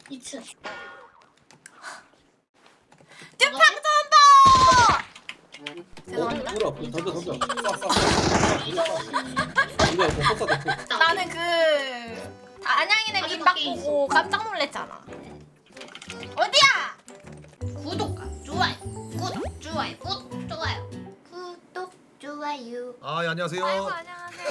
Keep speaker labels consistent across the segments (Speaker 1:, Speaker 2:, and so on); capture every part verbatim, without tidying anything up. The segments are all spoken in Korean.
Speaker 1: 이 층.
Speaker 2: 듀팡도 온다! 죄송합니다.
Speaker 3: 물어 던져 던져 쏴쏴 이거 못 쏴.
Speaker 2: 나는 그 안양이네 민박 보고 깜짝 놀랐잖아. 어디야?
Speaker 1: 구독과 좋아요. 구독 좋아요. 구독 좋아요. 구독 좋아요.
Speaker 4: 아, 예, 안녕하세요.
Speaker 2: 아이고 안녕하세요.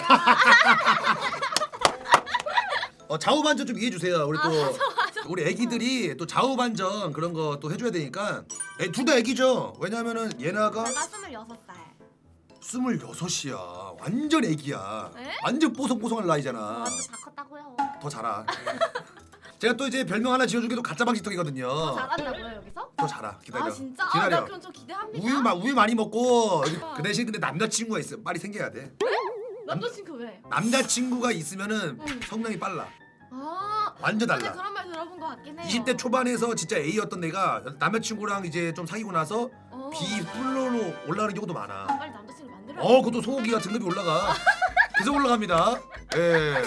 Speaker 4: 어, 좌우반전 좀 이해해 주세요. 우리 또
Speaker 2: 아, 맞아, 맞아.
Speaker 4: 우리 애기들이 또 좌우반전 그런 거 또 해줘야 되니까. 둘 다 애기죠. 왜냐면은 얘나가
Speaker 2: 내가 스물여섯 살.
Speaker 4: 스물여섯이야. 완전 애기야.
Speaker 2: 에?
Speaker 4: 완전 뽀송뽀송한 나이잖아.
Speaker 2: 완전 다 컸다고요.
Speaker 4: 더 자라. 제가 또 이제 별명 하나 지어주기도 가짜 방지턱이거든요.
Speaker 2: 잘한다고요 여기서?
Speaker 4: 더 자라. 기다려.
Speaker 2: 아 진짜? 아,
Speaker 4: 기다려.
Speaker 2: 나 그럼 저 기대합니다.
Speaker 4: 우유 마, 우유 많이 먹고 그 대신 근데 남자친구가 있어. 빨리 생겨야 돼.
Speaker 2: 남자친구 왜?
Speaker 4: 남자친구가 있으면은
Speaker 2: 응.
Speaker 4: 성능이 빨라.
Speaker 2: 아
Speaker 4: 완전
Speaker 2: 근데
Speaker 4: 달라.
Speaker 2: 그런 말 들어본 것 같긴 해요.
Speaker 4: 이십 대 초반에서 진짜 A였던 내가 남자친구랑 이제 좀 사귀고 나서
Speaker 2: 어.
Speaker 4: B 플로로 올라가는 경우도 많아.
Speaker 2: 빨리 남자친구 만들어.
Speaker 4: 어, 그것도 소고기가 등급이 올라가. 계속 올라갑니다. 예.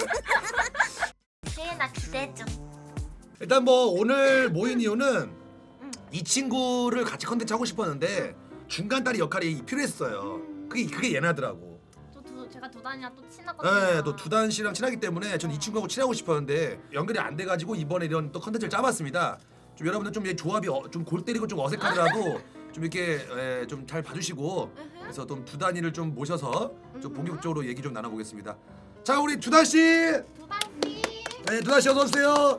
Speaker 2: 세나 기대 좀.
Speaker 4: 일단 뭐 오늘 모인 이유는
Speaker 2: 응.
Speaker 4: 이 친구를 같이 컨텐츠 하고 싶었는데 중간 다리 역할이 필요했어요. 그게 그게 얘나더라고.
Speaker 2: 또 두, 제가 두 단이랑 또 친하거든요.
Speaker 4: 네, 또 두단 씨랑 친하기 때문에 전 이 친구하고 친하고 싶었는데 연결이 안 돼가지고 이번에 이런 또 컨텐츠를 짜봤습니다. 좀 여러분들 좀 이 조합이 어, 좀 골 때리고 좀 어색하더라도 좀 이렇게 좀 잘 봐주시고 그래서 좀 두 단이를 좀 모셔서 좀 본격적으로 얘기 좀 나눠보겠습니다. 자, 우리 두단 씨,
Speaker 2: 두 단씨.
Speaker 4: 네, 두단 씨 어서 오세요.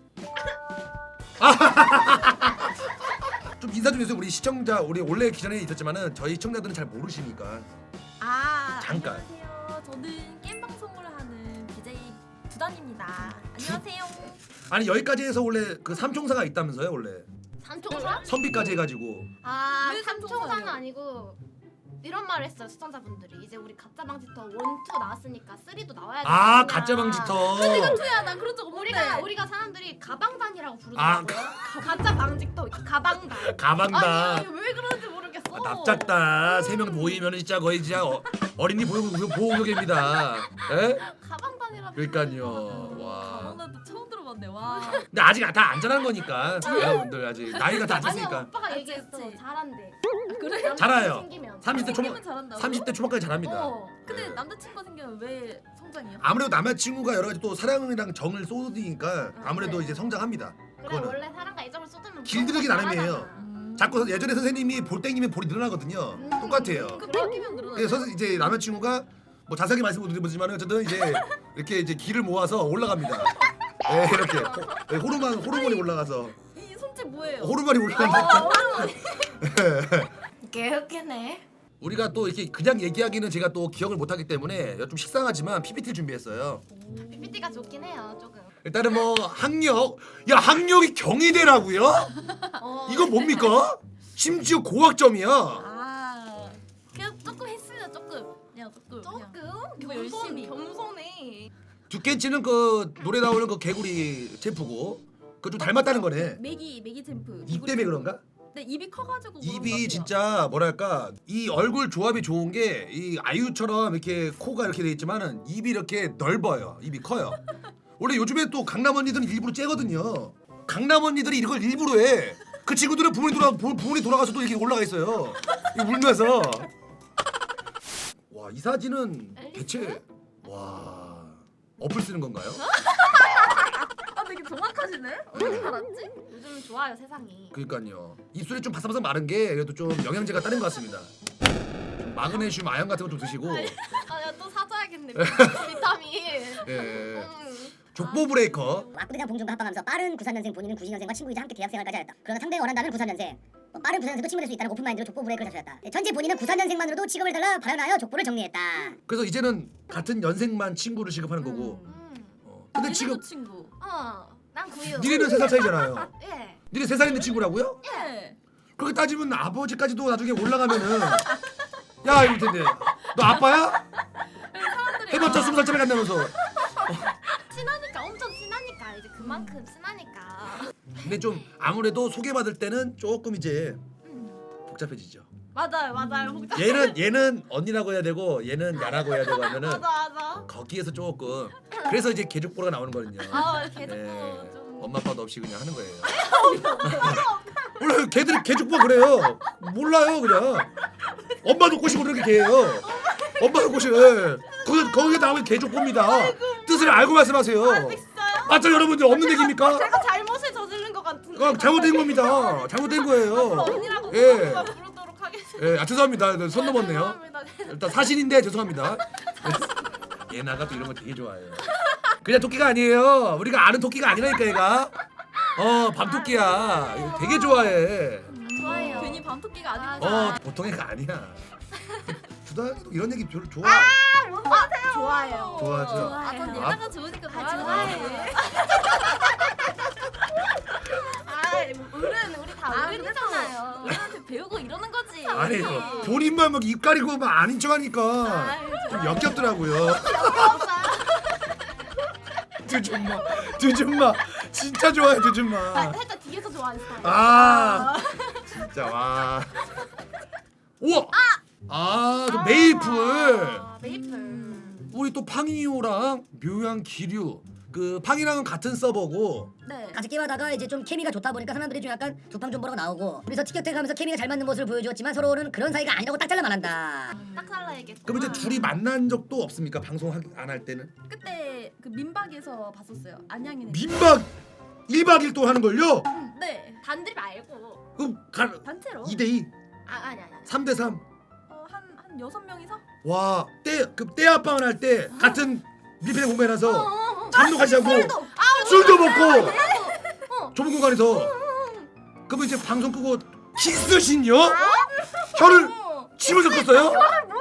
Speaker 4: 좀 인사 좀 해주세요. 우리 시청자, 우리 원래 기존에 있었지만은 저희 시청자들은 잘 모르시니까.
Speaker 5: 아,
Speaker 4: 잠깐.
Speaker 5: 안녕하세요. 저는 게임 방송을 하는 비제이 두단입니다. 안녕하세요.
Speaker 4: 아니 여기까지 해서 원래 그 삼총사가 있다면서요 원래
Speaker 2: 삼총사?
Speaker 4: 선비까지 해가지고.
Speaker 2: 아
Speaker 5: 왜
Speaker 2: 삼총사는
Speaker 5: 삼총사예요?
Speaker 2: 아니고 이런 말을 했어요 시청자분들이. 이제 우리 가짜 방지터 원, 투 나왔으니까 쓰리도 나와야 돼.
Speaker 4: 아, 가짜 방지터.
Speaker 5: 야, 난 그런 적 없는데.
Speaker 2: 우리가 우리가 사람들이 가방단이라고
Speaker 4: 아,
Speaker 2: 부르더라고요. 가짜 방지터 가방단.
Speaker 4: 가방다.
Speaker 2: 아니 왜 그런지 모르겠어.
Speaker 4: 아, 납작다. 세 명 모이면 진짜 거의 진짜 어, 어린이 보호 보호구역입니다. 에?
Speaker 2: 가방단이라고.
Speaker 4: 그러니까요. 와.
Speaker 5: 가방단도 처음 들어봤네. 와.
Speaker 4: 근데 아직 다 안 자란 거니까 여러분들 아직 나이가 다
Speaker 2: 아니야
Speaker 4: 됐으니까.
Speaker 2: 오빠가
Speaker 5: 그치,
Speaker 2: 얘기했어.
Speaker 5: 그치.
Speaker 2: 잘한대.
Speaker 5: 그래?
Speaker 4: 잘해요.
Speaker 2: 생기면.
Speaker 4: 삼십 대 초반
Speaker 5: 생기면 잘한다고?
Speaker 4: 삼십 대 초반까지 잘합니다.
Speaker 2: 어.
Speaker 5: 근데
Speaker 4: 네.
Speaker 5: 남자친구가 생기면 왜 성장해요?
Speaker 4: 아무래도 남자친구가 여러 가지 또 사랑이랑 정을 쏟으니까 아무래도
Speaker 2: 네.
Speaker 4: 이제 성장합니다.
Speaker 2: 그래
Speaker 4: 그거는.
Speaker 2: 원래 사랑과 애정을 쏟으면
Speaker 4: 길들이기 나름이에요.
Speaker 5: 음.
Speaker 4: 자꾸 예전에 선생님이 볼 땡기면 볼이 늘어나거든요.
Speaker 2: 음.
Speaker 4: 똑같아요.
Speaker 5: 그 뺏기면 늘어나.
Speaker 4: 그래서 이제 남자친구가 뭐 자세하게 말씀을 드리지만 어쨌든 이제 이렇게 이제 기를 모아서 올라갑니다. 네, 이렇게 호, 네, 호르몬 호르몬이 올라가서
Speaker 5: 이 손짓 뭐예요?
Speaker 4: 호르몬이 올라간다.
Speaker 2: 개웃기네.
Speaker 4: 우리가 또 이렇게 그냥 얘기하기는 제가 또 기억을 못하기 때문에 좀 식상하지만 피피티를 준비했어요.
Speaker 2: 피피티가 좋긴 해요 조금.
Speaker 4: 일단은 뭐 학력, 야 학력이 경희대라고요?
Speaker 2: 어.
Speaker 4: 이거 뭡니까? 심지어 고학점이야.
Speaker 5: 아. 그냥 조금 했어요. 조금. 그냥 조금.
Speaker 2: 조금
Speaker 5: 그냥. 뭐
Speaker 2: 겸손
Speaker 5: 열심히.
Speaker 2: 겸손해.
Speaker 4: 두께치는 그 노래 나오는 그 개구리 챔프고 그 좀 닮았다는 거네.
Speaker 5: 메기 메기 챔프.
Speaker 4: 입 때문에 그런가?
Speaker 5: 네, 입이 커가지고. 그런 것
Speaker 4: 입이
Speaker 5: 같아요.
Speaker 4: 진짜 뭐랄까 이 얼굴 조합이 좋은 게 이 아이유처럼 이렇게 코가 이렇게 돼 있지만은 입이 이렇게 넓어요. 입이 커요. 원래 요즘에 또 강남 언니들은 일부러 째거든요. 강남 언니들이 이걸 일부러 해. 그 친구들은 부모님 돌아 부- 부모님 돌아가서도 이렇게 올라가 있어요. 이 울면서. 와, 이 사진은 대체 와 어플 쓰는 건가요?
Speaker 5: 아, 되게 정확하시네. 어떻게 알았지?
Speaker 2: 요즘 좋아요 세상이.
Speaker 4: 그러니까요. 입술이 좀 바삭바삭 마른 게 그래도 좀 영양제가 따른 것 같습니다. 좀 마그네슘, 아연 같은 거 좀 드시고.
Speaker 2: 아야 또 사줘야겠네 비타민.
Speaker 4: 예.
Speaker 2: 음.
Speaker 4: 족보 브레이커.
Speaker 6: 압구대장 봉준과 합방하면서 빠른 구십삼 년생 본인은 구십이 년생과 친구이자 함께 대학생활까지 하였다. 그러나 상대가 원한다면 구십삼 년생. 뭐 빠른 구십삼 년생도 친구 될 수 있다는 오픈마인드로 족보 브레이크를 자처했다. 현재 본인은 구십삼 년생만으로도 직업을 달라 발언하여 족보를 정리했다.
Speaker 4: 그래서 이제는 같은 연생만 친구를 취급하는 거고.
Speaker 2: 음.
Speaker 4: 어. 근데 지금
Speaker 5: 얘네도 친구.
Speaker 2: 어난 구유.
Speaker 4: 니네는 세 살 차이잖아요.
Speaker 2: 예.
Speaker 4: 니네 세 살 있는 친구라고요?
Speaker 5: 예.
Speaker 4: 그렇게 따지면 아버지까지도 나중에 올라가면은 야 이럴 텐데 너 아빠야? 해봤자 스무 살짜리 간다면서.
Speaker 2: 친하니까 엄청 친하니까 이제 그만큼 친하니까.
Speaker 4: 근데 좀 아무래도 소개받을 때는 조금 이제
Speaker 2: 음.
Speaker 4: 복잡해지죠.
Speaker 2: 맞아요 맞아요. 복잡.
Speaker 4: 얘는 얘는 언니라고 해야 되고 얘는 야라고 해야 되고 하면은
Speaker 2: 맞아 맞아.
Speaker 4: 거기에서 조금 그래서 이제 개족보가 나오는 거거든요.
Speaker 2: 아 개족보
Speaker 4: 네.
Speaker 2: 좀
Speaker 4: 엄마 아빠도 없이 그냥 하는 거예요. 몰라요. 걔들 개족보 그래요. 몰라요 그냥. 엄마도 꼬시고 그렇게 개예요. 엄마도 꼬시고. 예. 거기 거기에 나오면 개족보입니다. 뜻을 알고 말씀하세요. 맞죠 여러분들 없는 얘기입니까?
Speaker 2: 제가 잘못을 저지른 것 같은데.
Speaker 4: 어, 잘못된 겁니다. 잘못된 거예요.
Speaker 2: 언니라고
Speaker 4: 예.
Speaker 2: 부르도록 하겠습니다.
Speaker 4: 예, 아 죄송합니다. 손 넘었네요.
Speaker 2: 죄송합니다.
Speaker 4: 일단 사실인데 죄송합니다. 얘나가 또 이런 거 되게 좋아해요. 그냥 토끼가 아니에요. 우리가 아는 토끼가 아니라니까 얘가. 어 밤토끼야. 이거 되게 좋아해.
Speaker 2: 좋아해요.
Speaker 5: 괜히 밤토끼가 아니고.
Speaker 4: 어 보통 애가 아니야. 주다도 이런 얘기 별로 좋아.
Speaker 2: 좋아해요.
Speaker 4: 좋아하죠.
Speaker 5: 아, 전
Speaker 4: 아.
Speaker 5: 얘나가 좋으니까
Speaker 2: 아,
Speaker 5: 좋아해.
Speaker 2: 아, 어른 우리 다
Speaker 5: 아,
Speaker 2: 어른이잖아요.
Speaker 5: 우리한테 배우고 이러는 거지.
Speaker 4: 아니 본인만 막 입 가리고 막 아닌 척하니까 좀 역겹더라고요. 두준마, 두준마, 진짜 좋아해 두준마.
Speaker 2: 살짝 뒤에서 좋아하는 스타일.
Speaker 4: 아 진짜 와. 우와. 아, 저 메이플.
Speaker 2: 아, 메이플.
Speaker 4: 우리 또 팡이오랑 묘양 기류. 그 팡이랑은 같은 서버고.
Speaker 5: 네.
Speaker 6: 같이 게임하다가 이제 좀 케미가 좋다 보니까 사람들이 좀 약간 두팡 좀 보라고 나오고 그래서 티격태격하면서 케미가 잘 맞는 모습을 보여주었지만 서로는 그런 사이가 아니라고 딱 잘라 말한다.
Speaker 2: 딱 잘라야겠어.
Speaker 4: 그럼 이제 둘이 만난 적도 없습니까? 방송 안 할 때는?
Speaker 5: 그때 그 민박에서 봤었어요. 안양이네.
Speaker 4: 민박 일 박 이 일 동안 하는 걸요?
Speaker 5: 네.
Speaker 2: 단들 말고.
Speaker 4: 그럼 가
Speaker 5: 단체로.
Speaker 4: 이 대 이,
Speaker 2: 아, 아니 아니.
Speaker 4: 삼 대 삼.
Speaker 5: 어, 한한 여섯 명이서.
Speaker 4: 와, 때 그 때합방을 할 때 같은 밀폐 공간에서 잠도 같이 자고 술도 먹고 좁은 공간에서 그러면 이제 방송 끄고 키스신요? 혀를 침을 섞었어요?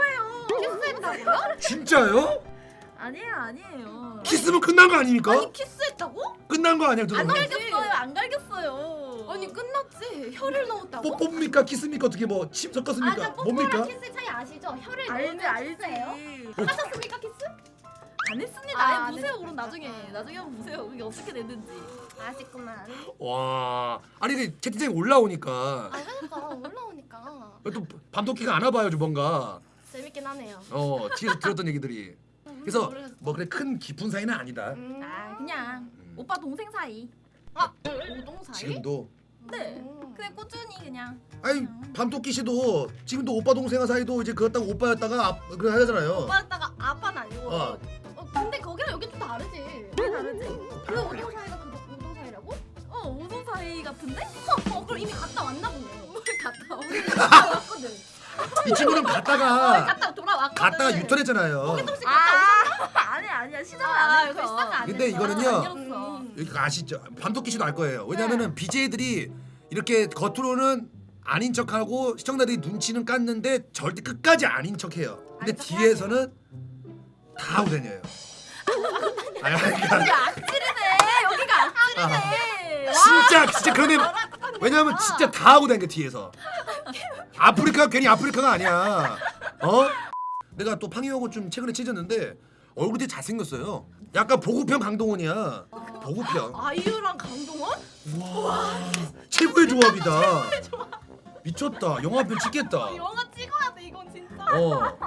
Speaker 2: 키스했다고요?
Speaker 4: 진짜요?
Speaker 5: 아니에요, 아니에요.
Speaker 4: 키스면 끝난 거 아닙니까?
Speaker 2: 아니 키스했다고?
Speaker 4: 끝난 거 아니야? 두
Speaker 5: 안
Speaker 4: 분?
Speaker 5: 갈겼어요, 안 갈겼어요.
Speaker 2: 아니 끝났지. 혀를 넣었다고?
Speaker 4: 뽀뽀입니까? 키스입니까? 어떻게 뭐 침 섞었습니까?
Speaker 2: 아,
Speaker 4: 뭡니까?
Speaker 2: 뽀뽀랑 키스 차이 아시죠? 혀를
Speaker 5: 알지,
Speaker 2: 넣으면
Speaker 5: 알지.
Speaker 2: 키스예요? 하셨습니까 키스?
Speaker 5: 안 했습니다.
Speaker 2: 아,
Speaker 5: 아예
Speaker 2: 안
Speaker 5: 보세요,
Speaker 2: 했-
Speaker 5: 그럼 나중에. 나중에 한번 보세요. 그게 어떻게 됐는지.
Speaker 2: 아쉽구만.
Speaker 4: 와, 아니 그 채팅창에 올라오니까
Speaker 2: 아 그러니까 올라오니까
Speaker 4: 또 밤토끼가 안 와봐요, 좀 뭔가.
Speaker 2: 재밌긴 하네요.
Speaker 4: 어, 뒤에서 들었던 얘기들이. 그래서
Speaker 2: 모르겠어.
Speaker 4: 뭐 그래 큰 깊은 사이는 아니다.
Speaker 2: 음.
Speaker 5: 아, 그냥
Speaker 4: 음.
Speaker 5: 오빠 동생 사이.
Speaker 2: 아 오동 사이?
Speaker 4: 지금도.
Speaker 5: 네.
Speaker 2: 음.
Speaker 5: 그냥 꾸준히 그냥.
Speaker 4: 아니 밤토끼 씨도 지금도 오빠 동생 사이도 이제 그었다가 오빠였다가 아, 그래 하잖아요.
Speaker 2: 오빠였다가 아빠는 아니고.
Speaker 4: 어.
Speaker 2: 어. 근데 거기랑 여기 좀 다르지.
Speaker 5: 왜 다르지?
Speaker 2: 그 오동 사이가 그 오동 사이라고?
Speaker 5: 어, 오동 사이 같은데?
Speaker 2: 어 그럼 이미 갔다 왔나 보네.
Speaker 5: 뭘 갔다 오는
Speaker 2: 갔다 왔거든.
Speaker 4: 이 친구는 갔다가
Speaker 2: 갔다 돌아왔거든.
Speaker 4: 갔다가 유턴했잖아요.
Speaker 2: 혹시 갔다 오셨나?
Speaker 5: 아, 아니 아니야. 시작을
Speaker 2: 아,
Speaker 5: 안
Speaker 2: 이거
Speaker 5: 했어.
Speaker 2: 시작을 안
Speaker 4: 근데
Speaker 2: 했어.
Speaker 4: 이거는요.
Speaker 5: 안 열었어.
Speaker 2: 음.
Speaker 4: 여기 아시죠? 밤토끼 씨도 알 거예요. 왜냐면은 비제이들이 이렇게 겉으로는 아닌 척하고 시청자들이 눈치는 깠는데 절대 끝까지 아닌 척해요. 근데
Speaker 2: 아닌 척
Speaker 4: 뒤에서는 다 우대녀예요. 아니, 아니,
Speaker 5: 여기가
Speaker 4: 그러니까
Speaker 5: 악질이네. 여기가 악질이네.
Speaker 4: 진짜 진짜 그런 애 왜냐면 진짜 다 하고 다니는 게 뒤에서 아프리카 괜히 아프리카가 아니야. 어? 내가 또 팡이하고 좀 최근에 친해졌는데 얼굴이 되게 잘생겼어요. 약간 보급형 강동원이야. 보급형.
Speaker 2: 아이유랑 강동원?
Speaker 4: 와 최고의 조합이다. 미쳤다. 영화편 찍겠다.
Speaker 2: 영화 찍어야 돼 이건 진짜.
Speaker 4: 어.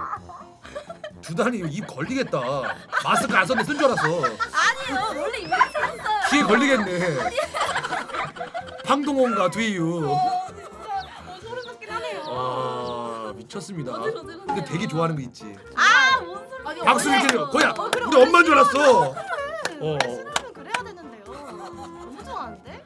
Speaker 4: 두단이 입 걸리겠다. 마스크 안 썼는데 쓴 줄 알았어.
Speaker 5: 아니요. 원래 이렇게 생겼어요.
Speaker 4: 귀에 걸리겠네. 황동원과 두이유.
Speaker 2: 어 진짜 어, 소름 돋긴 하네요.
Speaker 4: 와 미쳤습니다.
Speaker 5: 어지러지러네요.
Speaker 4: 근데 되게 좋아하는 거 있지.
Speaker 5: 아, 뭔 소리.
Speaker 2: 아니,
Speaker 4: 박수를
Speaker 2: 원래-
Speaker 4: 들려. 거야.
Speaker 2: 어, 그래,
Speaker 4: 우리
Speaker 2: 원래
Speaker 4: 엄마인 줄 알았어. 어.
Speaker 2: 원래 싫으면 그래야 되는데요. 너무 좋아하는데?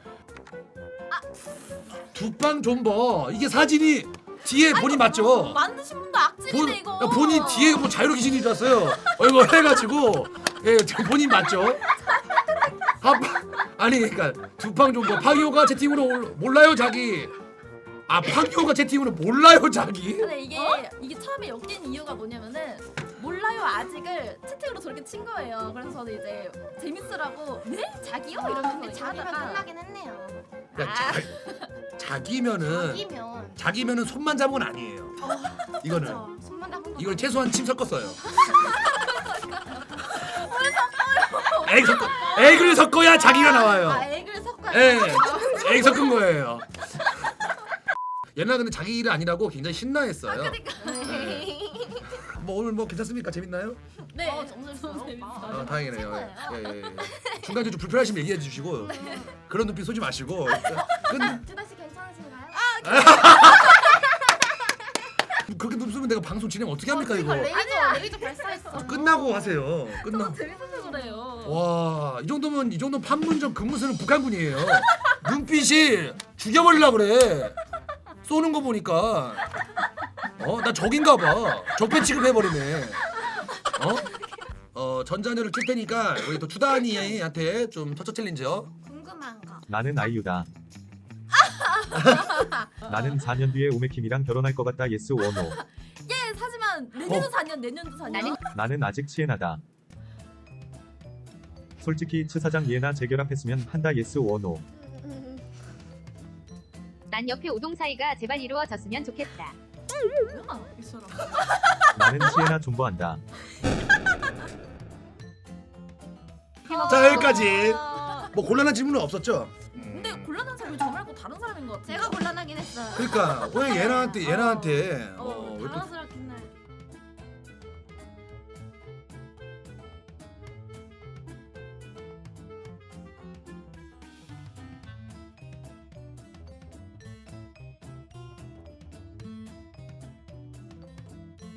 Speaker 4: 두빵 존버. 이게 사진이 뒤에 본인 맞죠?
Speaker 5: 만드신 분도 악질이네
Speaker 4: 본,
Speaker 5: 이거.
Speaker 4: 야, 본인 뒤에 뭐 자유로 귀신인 줄 알았어요. 어, 이거 해가지고 예, 저 본인 맞죠? 아, 아니 그러니까 두팡 존버 팡이오가 채팅으로 올, 몰라요 자기. 아 팡이오가 채팅으로 몰라요 자기.
Speaker 5: 근데 이게 이게 처음에 엮인 이유가 뭐냐면은 몰라요 아직을 채팅으로 저렇게 친 거예요. 그래서 저는 이제 재밌으라고 네 자기요 이러면서
Speaker 2: 근데
Speaker 5: 이렇게
Speaker 2: 자기면
Speaker 5: 하다가
Speaker 2: 끝나긴 했네요.
Speaker 4: 야, 자, 자기면은
Speaker 2: 자기면
Speaker 4: 자기면은 손만 잡은 건 아니에요. 이거는
Speaker 2: 그쵸. 손만 잡은 거.
Speaker 4: 이걸 최소한 침 섞었어요. 액 섞어, 액을 섞어야 자기가 나와요.
Speaker 2: 아 액을 섞어야
Speaker 4: 예, 액 섞은 거예요. 옛날 근데 자기 일 아니라고 굉장히 신나했어요.
Speaker 2: 네.
Speaker 4: 뭐 오늘 뭐 괜찮습니까? 재밌나요?
Speaker 5: 네.
Speaker 2: 어, 오늘
Speaker 5: 너무
Speaker 2: 너무
Speaker 5: 재밌어요.
Speaker 4: 아, 다행이네요.
Speaker 5: 최고예요.
Speaker 4: 예, 예, 예. 중간에 좀 불편하시면 얘기해 주시고 그런 눈빛 쏘지 마시고. 근
Speaker 2: 준하 씨 괜찮으신가요?
Speaker 4: 그렇게 눈 쏘면 내가 방송 진행 어떻게 합니까 이거?
Speaker 2: 레이저 레이저 발사했어.
Speaker 4: 끝나고 하세요. 끝나.
Speaker 5: 너무 재밌어서 그래요.
Speaker 4: 와, 이 정도면 이 정도 판문점 근무수는 북한군이에요. 눈빛이 죽여버리려 그래. 쏘는 거 보니까 어, 나 적인가 봐. 적배 취급해버리네. 어? 어, 전자녀를 낄 테니까 우리 또 주단이한테 좀 터처 챌린지요.
Speaker 2: 궁금한 거.
Speaker 7: 나는 아이유다. 나는 사 년 뒤에 우메킴이랑 결혼할 것 같다. 예스 원호.
Speaker 5: 예, 하지만 내년도 사 년, 내년도 사 년.
Speaker 1: 나는-
Speaker 7: 나는 아직 치에나다. 솔직히 치 사장 예나 재결합했으면 한다. 예스 원호.
Speaker 1: 난 옆에 오동 사이가 제발 이루어졌으면 좋겠다.
Speaker 5: 뭐야, 이 사람.
Speaker 7: 나는 치에나 존버한다.
Speaker 4: 자, 여기까지.
Speaker 5: 아,
Speaker 4: 뭐 곤란한 질문은 없었죠?
Speaker 5: 근데 곤란한 사람이 저 말고 다른 사람인 것 같아.
Speaker 2: 제가 곤란하긴 했어요.
Speaker 4: 그러니까 왜 얘나한테 얘나한테 어,
Speaker 5: 어,
Speaker 4: 왜 또
Speaker 5: 당황스럽게